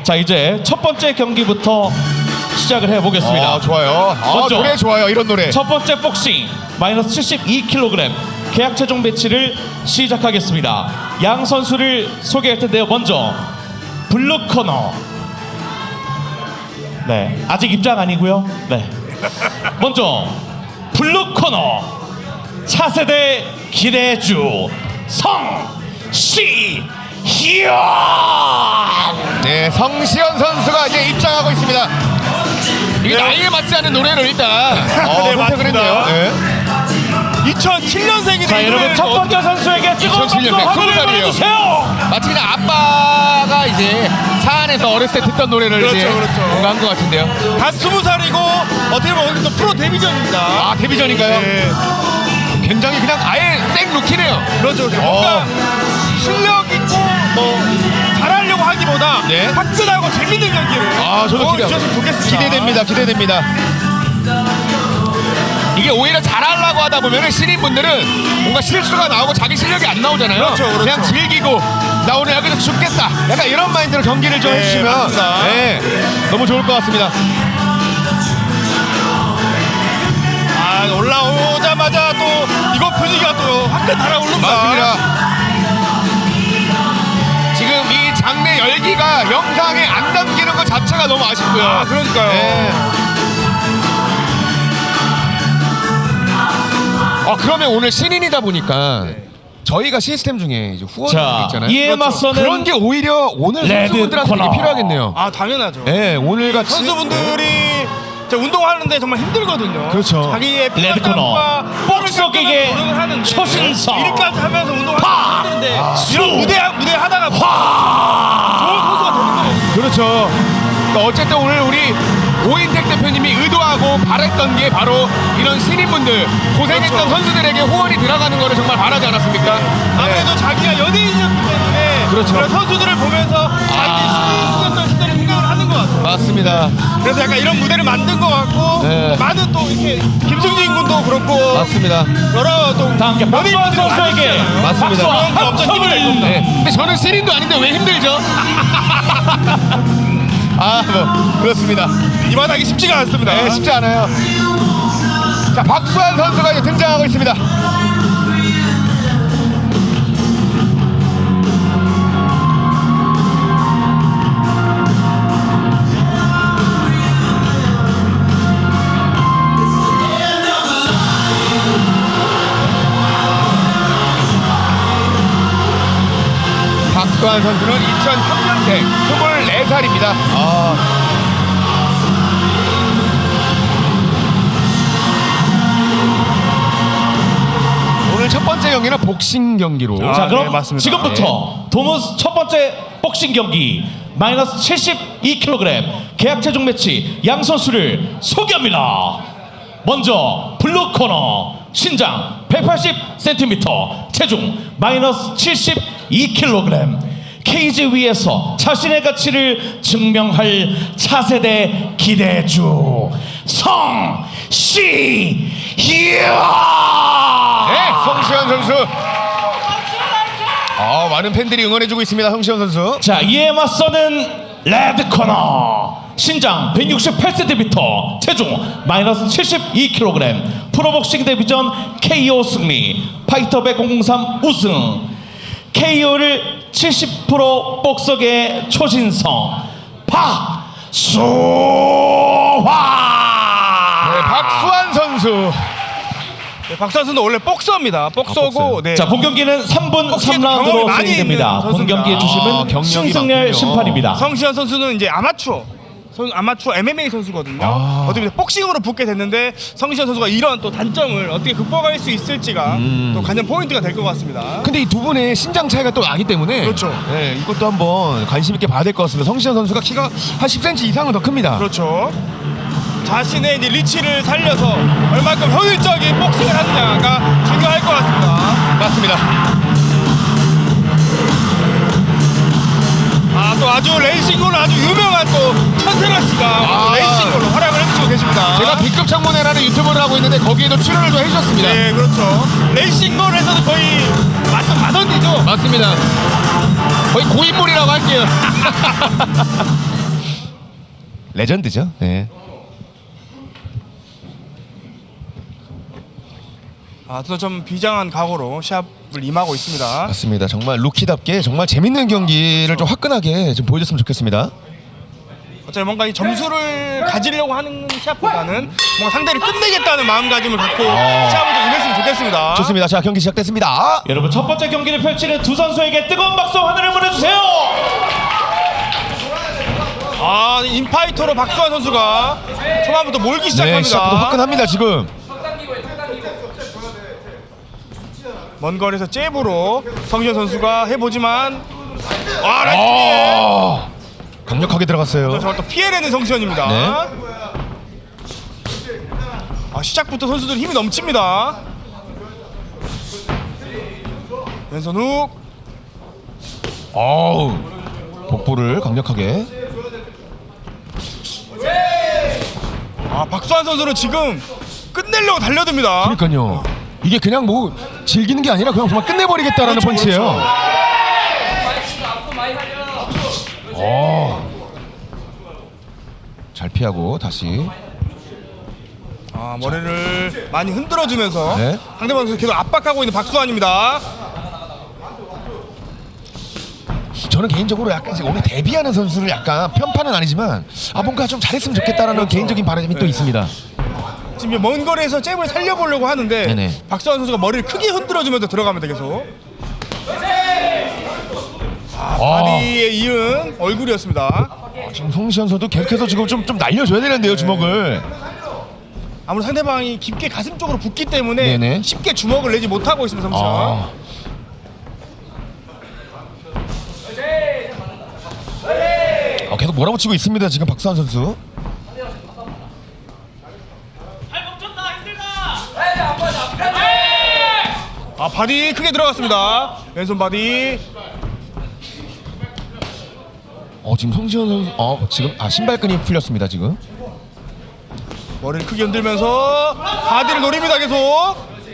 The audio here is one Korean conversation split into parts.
자, 이제 첫 번째 경기부터 시작을 해보겠습니다. 아, 좋아요. 먼저 노래 좋아요. 이런 노래. 첫 번째 복싱 마이너스 72kg 계약 체중 배치를 시작하겠습니다. 양 선수를 소개할 텐데요. 먼저 블루 코너. 네, 아직 입장 아니고요. 네. 먼저 블루 코너 차세대 기대주 성시현. 네, 성시현 선수가 이제 입장하고 있습니다. 이게 나이에 맞지 않은 노래를 일단 선택을 맞습니다. 했네요. 네. 2007년생이네. 자, 여러분 첫 번째 선수에게 뜨거운 박수 2007년생, 화면을 20살이에요. 보내주세요. 마치 그냥 아빠가 이제 차 안에서 어렸을 때 듣던 노래를 그렇죠, 이제 그렇죠. 뭔가 한 것 같은데요. 다 20살이고 어떻게 보면 오늘 또 프로 데뷔전입니다. 아, 데뷔전인가요? 네. 굉장히 그냥 아예 생 루키네요. 그렇죠. 뭔가 실력 있고 뭐 잘하려고 하기보다 네. 화끈하고 재밌는 경기를 아, 저도 보여주셨으면 좋겠습니다. 기대됩니다. 기대됩니다. 이게 오히려 잘하려고 하다 보면은 신인분들은 뭔가 실수가 나오고 자기 실력이 안 나오잖아요. 그렇죠, 그렇죠. 그냥 즐기고 나 오늘 여기서 죽겠다. 약간 이런 마인드로 경기를 좀 네, 해주시면 맞습니다. 네, 너무 좋을 것 같습니다. 아, 올라오자마자 또 이거 분위기가 또 화끈 달아오릅니다. 맞습니다. 지금 이 장내 열기가 영상에 안 담기는 것 자체가 너무 아쉽고요. 아, 그러니까요. 네. 그러면 오늘 신인이다 보니까 저희가 시스템 중에 이제 후원이 자, 있잖아요. 이에 그렇죠. 맞서는 그런 게 오히려 오늘 레드 선수분들한테 되게 코너. 필요하겠네요. 아, 당연하죠. 네, 오늘 같이 선수분들이 운동하는데 정말 힘들거든요. 그렇죠. 자기의 레드 코너. 복속에게 초신성. 일까지 하면서 운동을 파! 하는 힘든데 이런 무대 하다가 좋은 선수가 되는 거예요. 그렇죠. 그러니까 어쨌든 오늘 우리 오인택 대표님이 의도하고 바랬던 게 바로 이런 신인분들 고생했던 그렇죠. 선수들에게 후원이 들어가는 거를 정말 바라지 않았습니까? 아무래도 자기가 연예인이었기 때문에 그렇죠. 그런 선수들을 보면서 자기 신인이었던 시절을 생각을 하는 것 같아요. 맞습니다. 그래서 약간 이런 무대를 만든 것 같고 네. 많은 또 이렇게 김승진 군도 그렇고 맞습니다. 여러 또 다 함께 박수환 연예인들이 선수에게 많으시잖아요. 맞습니다. 박수와 그런 거 없죠. 힘을 낼 겁니다. 네. 근데 저는 신인도 아닌데 왜 힘들죠? 아, 뭐 그렇습니다. 이 바닥이 쉽지가 않습니다. 네, 쉽지 않아요. 자, 박수환 선수가 이제 등장하고 있습니다. 박수환 선수는 2003년생 24살입니다. 오늘 첫 번째 경기는 복싱 경기로. 아, 자, 그럼 네, 맞습니다. 지금부터 도무스 첫 번째 복싱 경기 마이너스 72kg 계약 체중 매치 양 선수를 소개합니다. 먼저 블루 코너 신장 180cm 체중 마이너스 72kg 케이지 위에서 자신의 가치를 증명할 차세대 기대주 성시현. 네, 성시현 선수. 많은 팬들이 응원해주고 있습니다. 성시현 선수. 자, 이에 맞서는 레드 코너 신장 168cm 체중 마이너스 72kg 프로복싱 데뷔전 KO 승리 파이터백 003 우승 KO를 70% 복석의 초신성 박수환. 네, 박수환 선수. 네, 박수 선수는 원래 복서입니다. 복서고 네. 자, 본 경기는 3분 복싱에도 3라운드로 경험이 많이 진행됩니다. 있는 본 선수입니다. 경기의 주심은 경력이 신승열 많군요. 심판입니다. 성시현 선수는 이제 아마추어 MMA 선수거든요. 어떻게 보면 복싱으로 붙게 됐는데 성시현 선수가 이런 또 단점을 어떻게 극복할 수 있을지가 또 관전 포인트가 될 것 같습니다. 근데 이 두 분의 신장 차이가 또 나기 때문에 그렇죠. 네, 이것도 한번 관심 있게 봐야 될 것 같습니다. 성시현 선수가 키가 한 10cm 이상은 더 큽니다. 그렇죠. 자신의 이제 리치를 살려서 얼마큼 효율적인 복싱을 하느냐가 중요할 것 같습니다. 맞습니다. 또 아주 레이싱으로 아주 유명한 또 천세라 씨가 레이싱으로 활약을 해주시고 계십니다. 제가 B급 창문회라는 유튜브를 하고 있는데 거기에도 출연을 좀 해주셨습니다. 네, 그렇죠. 레이싱볼에서는 거의 완전 마던이죠. 맞습니다. 거의 고인물이라고 할게요. 레전드죠. 네. 좀 비장한 각오로 시합을 임하고 있습니다. 맞습니다. 정말 루키답게 정말 재밌는 경기를 좀 화끈하게 좀 보여줬으면 좋겠습니다. 어차피 뭔가 이 점수를 가지려고 하는 시합보다는 뭔가 상대를 끝내겠다는 마음가짐을 갖고 시합을 좀 임했으면 좋겠습니다. 좋습니다. 자, 경기 시작됐습니다. 여러분 첫 번째 경기를 펼치는 두 선수에게 뜨거운 박수 하늘을 보내주세요. 인파이터로 박수환 선수가 초반부터 몰기 네, 시작합니다. 시작부터 화끈합니다 지금. 먼 거리에서 잽으로 성시현 선수가 해보지만 라이트 강력하게 들어갔어요. 저걸 또 피해내는 성시현입니다. 네. 시작부터 선수들 힘이 넘칩니다. 왼손 훅. 복부를 강력하게. 박수환 선수는 지금 끝내려고 달려듭니다. 그러니까요. 이게 그냥 뭐 즐기는 게 아니라 그냥 정말 끝내버리겠다라는 그렇죠, 펀치예요. 잘 피하고 다시. 머리를 많이 흔들어주면서 네. 상대방 선수 계속 압박하고 있는 박수환입니다. 저는 개인적으로 약간 이제 오늘 데뷔하는 선수를 약간 편파는 아니지만 뭔가 좀 잘했으면 좋겠다라는 개인적인 바람이 또 있습니다. 지금 먼 거리에서 잽을 살려보려고 하는데 네네. 박수환 선수가 머리를 크게 흔들어주면서 들어가면 되겠어. 바디에 이은 얼굴이었습니다. 지금 송시현 선수도 계속해서 지금 좀 날려줘야 되는데요, 주먹을. 아무래도 상대방이 깊게 가슴 쪽으로 붙기 때문에 네네. 쉽게 주먹을 내지 못하고 있습니다. 성시현. 계속 몰아붙이고 있습니다, 지금 박수환 선수. 바디 크게 들어갔습니다. 왼손 바디. 지금 송시현 선수 지금 신발끈이 풀렸습니다, 지금. 머리를 크게 흔들면서 바디를 노립니다. 계속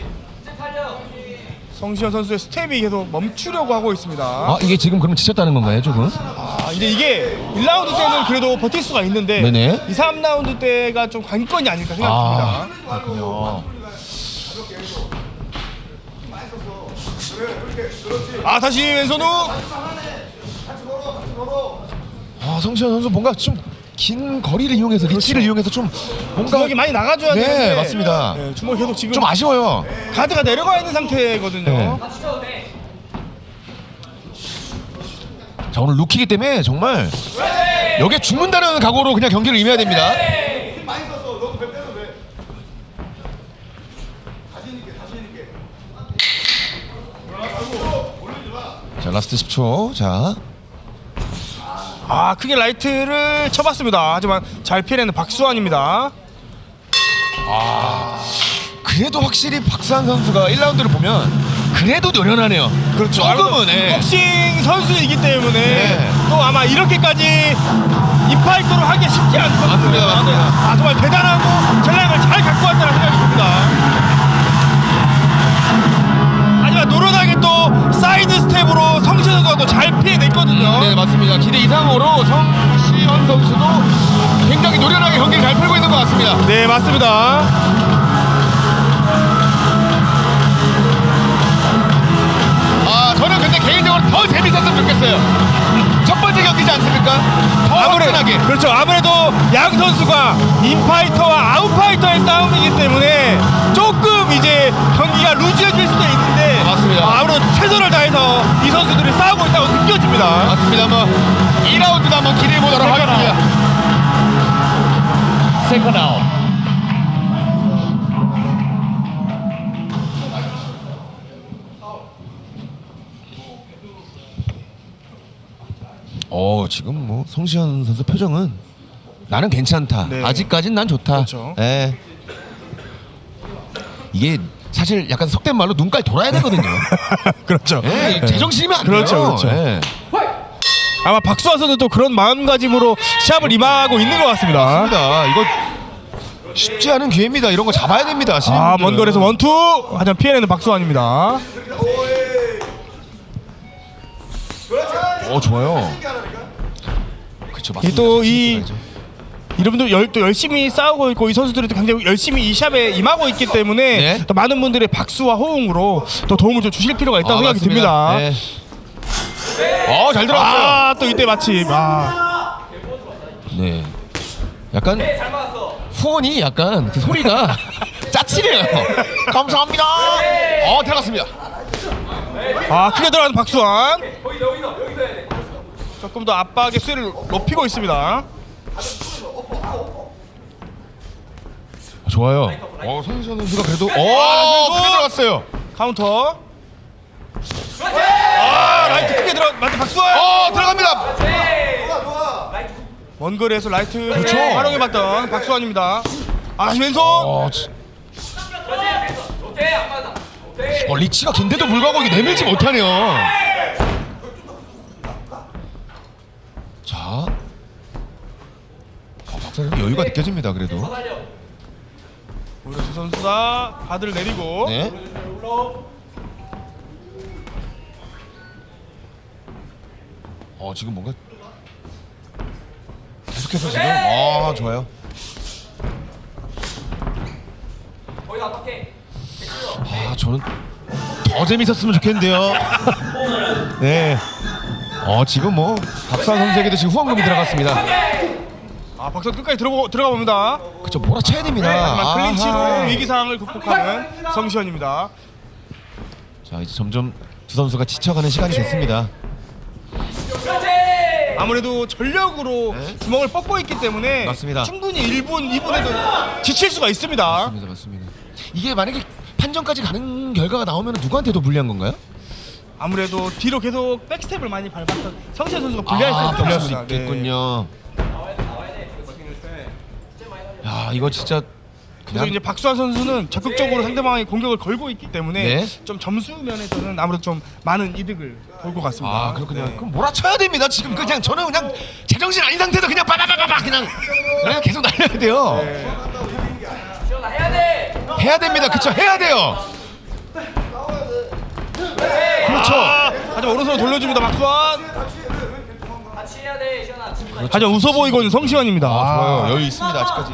성시현 선수의 스텝이 계속 멈추려고 하고 있습니다. 이게 지금 그럼 지쳤다는 건가요, 조금? 이제 이게 1라운드 때는 그래도 버틸 수가 있는데 네네. 2, 3라운드 때가 좀 관건이 아닐까 생각됩니다. 그렇군요. 다시 왼손 후. 송시현 선수 뭔가 좀 긴 거리를 이용해서 리치를 이용해서 좀 뭔가 주먹이 많이 나가줘야 네, 되는데 맞습니다. 네, 주먹이 계속 지금 좀 아쉬워요. 가드가 내려가 있는 상태거든요. 네. 자, 오늘 루키이기 때문에 정말 여기에 죽는다는 각오로 그냥 경기를 임해야 됩니다. 자, 라스트 10초. 자, 크게 라이트를 쳐봤습니다. 하지만 잘 피해내는 박수환입니다. 그래도 확실히 박수환 선수가 1라운드를 보면 그래도 노련하네요. 그렇죠. 조금은 복싱 선수이기 때문에 네. 또 아마 이렇게까지 인파이터로 하기 쉽지 않거든요. 맞습니다. 정말 대단하고 전략을 잘 갖고 왔다는 생각이 듭니다. 하지만 노련하게 또 사이드 스텝으로 성시현 선수가 또 잘 피해냈거든요. 네, 맞습니다. 기대 이상으로 성시현 선수도 굉장히 노련하게 경기를 잘 풀고 있는 것 같습니다. 네, 맞습니다. 저는 근데 개인적으로 더 재밌었으면 좋겠어요. 첫 번째 경기지 않습니까? 더 화끈하게. 그렇죠. 아무래도 양 선수가 인파이터와 아웃파이터의 싸움이기 때문에 조금 이제 경기가 루즈해질 수도 있는데 맞습니다. 아무래도 최선을 다해서 이 선수들이 싸우고 있다고 느껴집니다. 맞습니다. 2라운드도 한번 기대해 보도록 하겠습니다. 세컨 아웃. 지금 송시현 선수 표정은 나는 괜찮다. 네. 아직까진 난 좋다. 그렇죠. 네. 이게 사실 약간 속된 말로 눈깔 돌아야 되거든요. 그렇죠. 네, 제정신이면 안 그렇죠, 돼요. 그렇죠. 네. 아마 박수환 선수도 그런 마음가짐으로 시합을 임하고 있는 것 같습니다. 맞습니다. 이거 쉽지 않은 기회입니다. 이런 거 잡아야 됩니다. 먼 거리에서 원투 하지만 피해내는 박수환입니다. 좋아요. 그렇죠. 또 이 이분들 또 열심히 싸우고 있고 이 선수들이 또 굉장히 열심히 이 샵에 임하고 있기 때문에 네. 또 많은 분들의 박수와 호응으로 또 도움을 좀 주실 필요가 있다고 생각이 듭니다. 네. 잘 들어갔어요. 또 이때 마침 네. 약간 후원이 약간 그 소리가 짜치네요. 감사합니다. 들어갔습니다. 크게 들어가는 박수환. 조금 더 압박의 수위를 높이고 있습니다. 좋아요. 손시현 선수가 그래도 크게 들어갔어요. 카운터. 라이트 크게 맞다 박수환. 들어갑니다. 먼 거리에서 라이트를 그렇죠. 활용해봤던 박수환입니다. 왼손. 리치가 긴데도 불구하고 이게 내밀지 못하네요. 자, 박사님 여유가 느껴집니다. 그래도. 오히려 두 선수가 바드를 내리고. 네. 지금 뭔가 계속해서 지금 좋아요. 저는 더 재밌었으면 좋겠는데요. 네. 지금 뭐 박수환 선수에게도 지금 후원금이 들어갔습니다. 박수환 끝까지 들어가 봅니다. 그쵸, 몰아쳐야 됩니다. 하지만 클린치로 아하. 위기 상황을 극복하는 성시현입니다. 자, 이제 점점 두 선수가 지쳐가는 시간이 됐습니다. 아무래도 전력으로 구멍을 뻗고 있기 때문에 맞습니다. 충분히 1분, 2분에도 지칠 수가 있습니다. 맞습니다. 이게 만약에 판정까지 가는 결과가 나오면 누구한테 더 불리한 건가요? 아무래도 뒤로 계속 백스텝을 많이 밟았던 성시현 선수가 불리할 수 불리할 수 있겠습니다. 있겠군요. 야, 이거 진짜 그래서 그냥 이제 박수환 선수는 적극적으로 상대방의 공격을 걸고 있기 때문에 네. 좀 점수 면에서는 아무래도 좀 많은 이득을 볼 것 같습니다. 그렇군요. 네. 그럼 몰아쳐야 됩니다. 지금 그냥 저는 그냥 제정신 아닌 상태에서 그냥 빠바바바바 그냥 계속 날려야 돼요. 해야 됩니다. 그쵸? 해야 돼요. 그렇죠. 하지만 오른손으로 돌려줍니다. 박수환. 하지만 웃어 보이고 있는 성시환입니다. 좋아요. 여유 있습니다. 아직까지.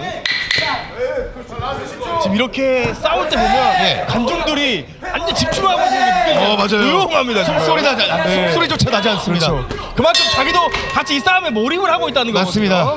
지금 이렇게 싸울 때 보면 네. 관중들이 완전 집중하고 있는 게 느껴져요. 맞아요. 조용합니다. 지금. 숨소리 나지 네. 숨소리조차 나지 않습니다. 그렇죠. 그만큼 자기도 같이 이 싸움에 몰입을 하고 있다는 거거든요. 맞습니다.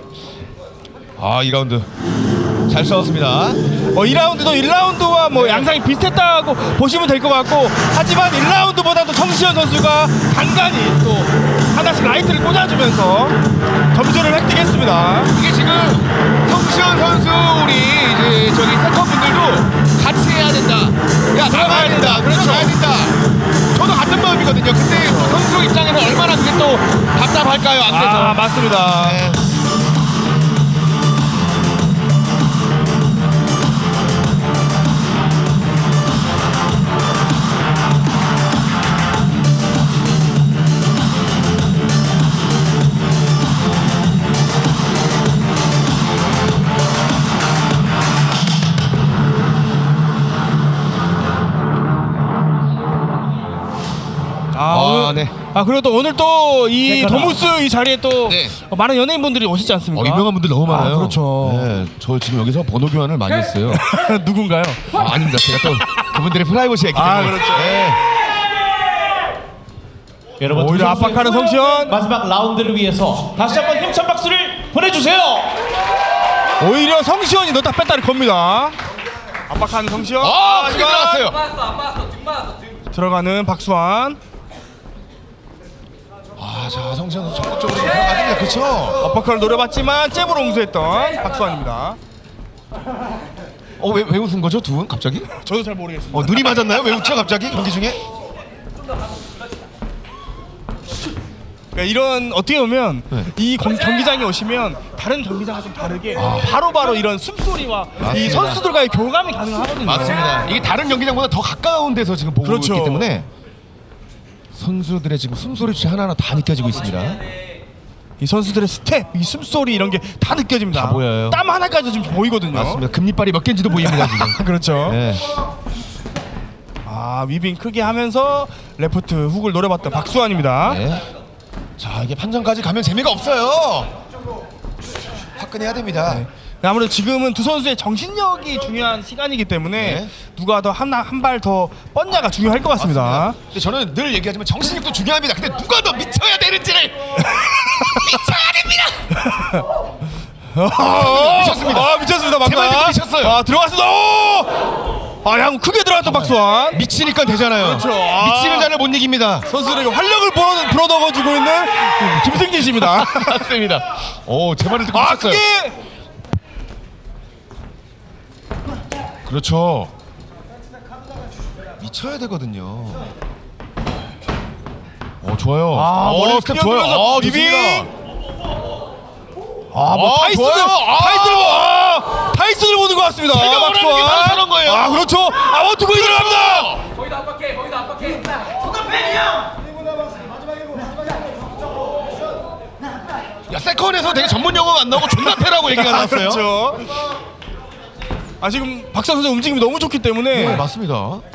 2라운드 잘 싸웠습니다. 2라운드도 1라운드와 뭐 양상이 비슷했다고 보시면 될 것 같고, 하지만 1라운드보다도 성시현 선수가 간간히 또 하나씩 라이트를 꽂아주면서 점수를 획득했습니다. 이게 지금 성시현 선수 우리 이제 저기 세컨분들도 같이 해야 된다. 야, 나가야 된다. 그렇죠. 나가야 된다. 저도 같은 마음이거든요. 근데 또 선수 입장에서 얼마나 그게 또 답답할까요? 안 돼서. 맞습니다. 네. 네. 그리고 또 오늘 또 이 세컨아. 도무스 이 자리에 또 네. 많은 연예인분들이 오시지 않습니까? 유명한 분들 너무 많아요. 그렇죠. 네, 저 지금 여기서 번호 교환을 많이 했어요. 누군가요? 아닙니다. 제가 또 그분들의 프라이버시가 있기 때문에. 그렇죠. 네. 여러분 오히려 두 선수의 압박하는 성시현. 마지막 라운드를 위해서 다시 한번 힘찬 박수를 보내주세요. 오히려 성시현이 넣다 뺐다를 겁니다. 압박하는 성시현. 크게 들어갔어요. 들어가는 박수환. 자, 성시현 선수 적극적으로 좀 들어가는데 그렇죠. 압박을 노려봤지만 잽으로 응수했던 박수환입니다. 왜 웃은 거죠, 두 분 갑자기? 저도 잘 모르겠습니다. 눈이 맞았나요? 왜 웃죠, 갑자기 경기 중에? 그러니까 이런 어떻게 보면 네. 이 경기장에 오시면 다른 경기장과 좀 다르게 바로바로 이런 숨소리와 이 맞습니다. 선수들과의 교감이 가능하거든요. 맞습니다. 이게 다른 경기장보다 더 가까운 데서 지금 보고 그렇죠. 있기 때문에 선수들의 지금 숨소리 하나하나 다 느껴지고 있습니다. 이 선수들의 스텝, 이 숨소리 이런 게 다 느껴집니다. 다 보여요. 땀 하나까지 지금 보이거든요. 맞습니다. 금리빨이 몇 개인지도 보입니다 지금. 그렇죠. 네. 위빙 크게 하면서 레프트 훅을 노려봤던 박수환입니다. 네. 자, 이게 판정까지 가면 재미가 없어요. 끝내야 됩니다. 네. 아무래도 지금은 두 선수의 정신력이 중요한 시간이기 때문에 네. 누가 더 한 발 더 뻗냐가 중요할 것 같습니다. 근데 저는 늘 얘기하지만 정신력도 중요합니다. 근데 누가 더 미쳐야 되는지를 미쳐야 됩니다. 미쳤습니다. 미쳤습니다. 제 말대로 미쳤어요. 들어갔습니다. 양 크게 들어갔던 박수환. 미치니까 되잖아요. 그렇죠. 미치는 자를 못 이깁니다. 선수들에게 활력을 불어넣어주고 있는 김승진 씨입니다. 맞습니다. 제 말을 듣고 미쳤어요. 크게. 그렇죠. 미쳐야 되거든요. 좋아요. 머리 스텝 좋아요. 리빙. 좋습니다. 타이슨을 보는 것 같습니다. 제가 원하는 게 바로 저런 거예요. 그렇죠. 원투구이 들어갑니다. 야, 세컨에서 되게 전문 용어가 안 나오고 존나 패라고 얘기가 나왔어요. 그렇죠. 지금 박찬 선수 움직임이 너무 좋기 때문에 네, 맞습니다.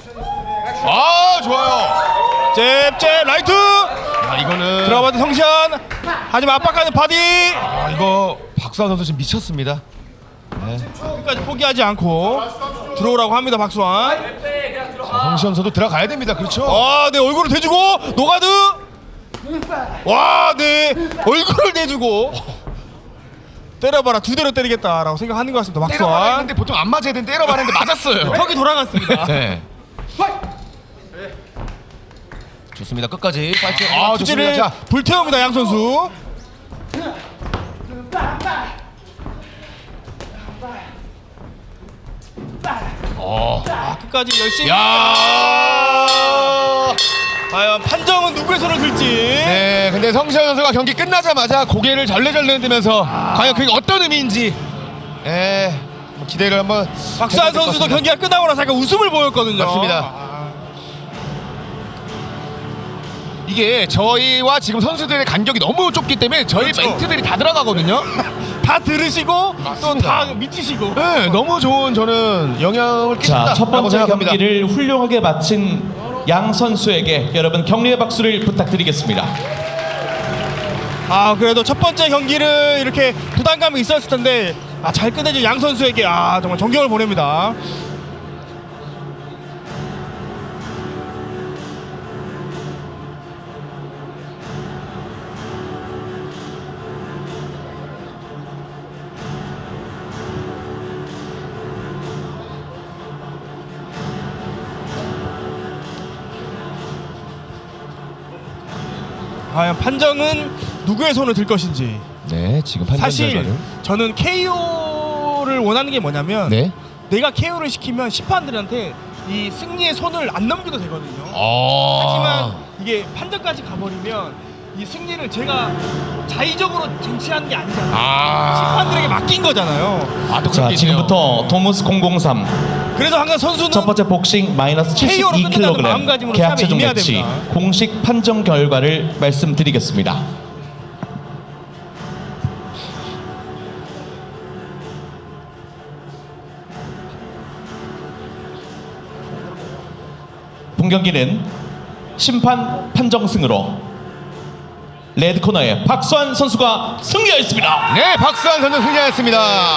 좋아요. 잽 라이트 이거는 들어가봤던 성시현. 하지만 압박하는 바디. 이거 박수환 선수 지금 미쳤습니다. 끝까지 포기하지 않고 들어오라고 합니다. 박수환. 성시현 선수 들어가야 됩니다. 그렇죠. 네, 얼굴을 대주고 노가드. 네, 얼굴을 대주고 때려봐라, 두 대로 때리겠다라고 생각하는 것 같습니다. 때려봐라 박수환. 했는데 보통 안 맞아야 되는 때려봐라 했는데 맞았어요. 턱이 돌아갔습니다. 네. 좋습니다. 끝까지 파이팅. 좋습니다. 투지를 자, 불태웁니다. 양 선수. 끝까지 열심히. 과연 판정은 누구의 손을 들지. 네, 근데 성시현 선수가 경기 끝나자마자 고개를 절레절레 흔들면서 과연 그게 어떤 의미인지 기대를 한번 박수환 해볼 것 선수도 같습니다. 경기가 끝나고 나서 약간 웃음을 보였거든요. 맞습니다. 이게 저희와 지금 선수들의 간격이 너무 좁기 때문에 저희 그렇죠. 멘트들이 다 들어가거든요. 다 들으시고 또 맞습니다. 다 미치시고. 네, 너무 좋은 저는 영향을 끼친다라고 첫 번째 생각합니다. 경기를 훌륭하게 마친 양 선수에게 여러분 격려의 박수를 부탁드리겠습니다. 그래도 첫 번째 경기를 이렇게 부담감이 있었을 텐데 잘 끝내준 양 선수에게 정말 존경을 보냅니다. 과연 판정은 누구의 손을 들 것인지. 네, 지금 판정 사실 결과를. 저는 KO를 원하는 게 뭐냐면 네. 내가 KO를 시키면 심판들한테 이 승리의 손을 안 넘겨도 되거든요. 아. 하지만 이게 판정까지 가버리면 이 승리를 제가 자의적으로 쟁취하는 게 아니잖아요. 심판들에게 맡긴 거잖아요. 또 자, 그렇게 지금부터 도무스 003 그래서 항상 선수는 첫 번째 복싱 마이너스 KO 로 끝낸다는 72kg 마음가짐으로 계약 시합에 최종 임해야 매치 됩니다. 공식 판정 결과를 말씀드리겠습니다. 본 경기는 심판 판정승으로 레드코너의 박수환 선수가 승리하였습니다. 네, 박수환 선수 승리하였습니다.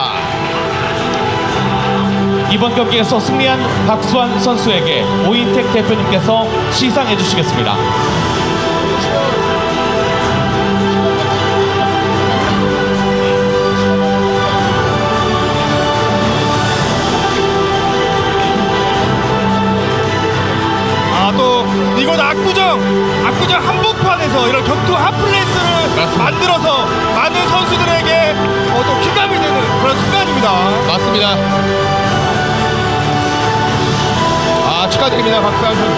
이번 경기에서 승리한 박수환 선수에게 오인택 대표님께서 시상해 주시겠습니다. 또 이곳 압구정 한복판에서 이런 격투 핫플레이스를 만들어서 많은 선수들에게 또 퀴감이 되는 그런 순간입니다. 맞습니다. 축하드립니다, 박수환 선수.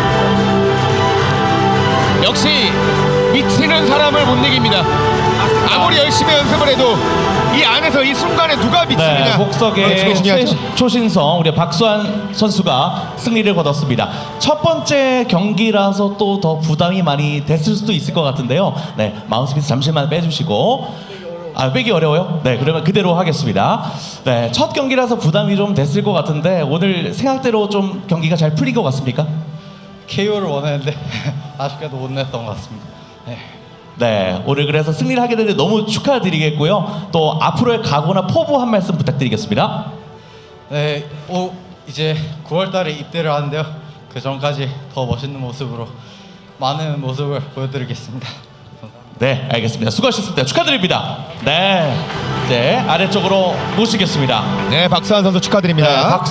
역시 미치는 사람을 못 이깁니다. 아무리 열심히 연습을 해도 이 안에서 이 순간에 누가 미치느냐. 네, 복석의 그게 중요하죠. 초신성 우리 박수환 선수가 승리를 거뒀습니다. 첫 번째 경기라서 또 더 부담이 많이 됐을 수도 있을 것 같은데요. 네, 마우스피스 잠시만 빼주시고. 빼기 어려워요? 네, 그러면 그대로 하겠습니다. 네, 첫 경기라서 부담이 좀 됐을 것 같은데 오늘 생각대로 좀 경기가 잘 풀린 것 같습니까? KO를 원했는데 아쉽게도 못 냈던 것 같습니다. 네. 네, 오늘 그래서 승리를 하게 되는데 너무 축하드리겠고요. 또 앞으로의 각오나 포부 한 말씀 부탁드리겠습니다. 네, 이제 9월달에 입대를 하는데요. 그 전까지 더 멋있는 모습으로 많은 모습을 보여드리겠습니다. 네, 알겠습니다. 수고하셨습니다. 축하드립니다. 네, 이제 아래쪽으로 모시겠습니다. 네, 박수환 선수 축하드립니다. 네,